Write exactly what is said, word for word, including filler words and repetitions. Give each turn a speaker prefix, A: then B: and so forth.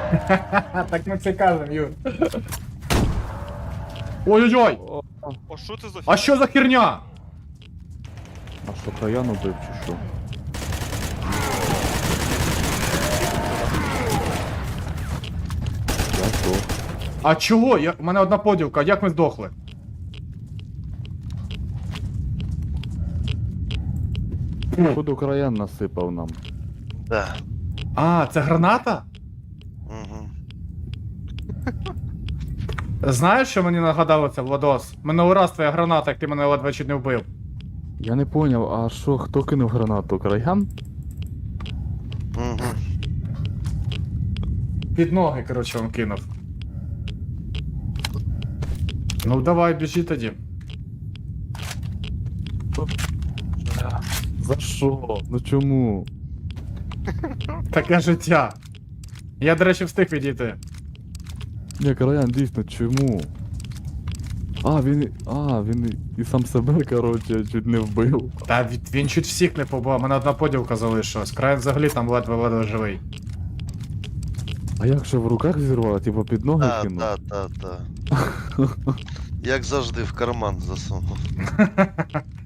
A: Так ми це кажемо, Юр. Ой-ой-ой!
B: О,
C: О, що це за
A: А що за херня?
B: а що, Каян убив чи що? Я здох.
A: А чого? Я... У мене одна поділка, як ми здохли?
B: Походу Краян насипав нам.
C: Да.
A: А, це граната?
C: Угу.
A: Знаєш, що мені нагадало це, Владос? Минулий раз твоя граната, як ти мене ледве чуть не вбив.
B: Я не поняв, а що, хто кинув гранату? Краян?
C: Угу.
A: Під ноги, коротше, він кинув. Ну давай, біжи тоді.
B: За що? Ну чому?
A: Таке життя. Я, до речі, встиг відійти.
B: Ні, Краян, дійсно, чому? А, він. А, він і сам себе, коротше, чуть не вбив.
A: Та він, він чуть всіх не побив, мене одна поділка залишилась. Край взагалі там ледве-ледве живий.
B: А як же в руках зірвало, типу під ноги
C: Та,
B: кинув?
C: та, та, та. Як завжди в карман засунув.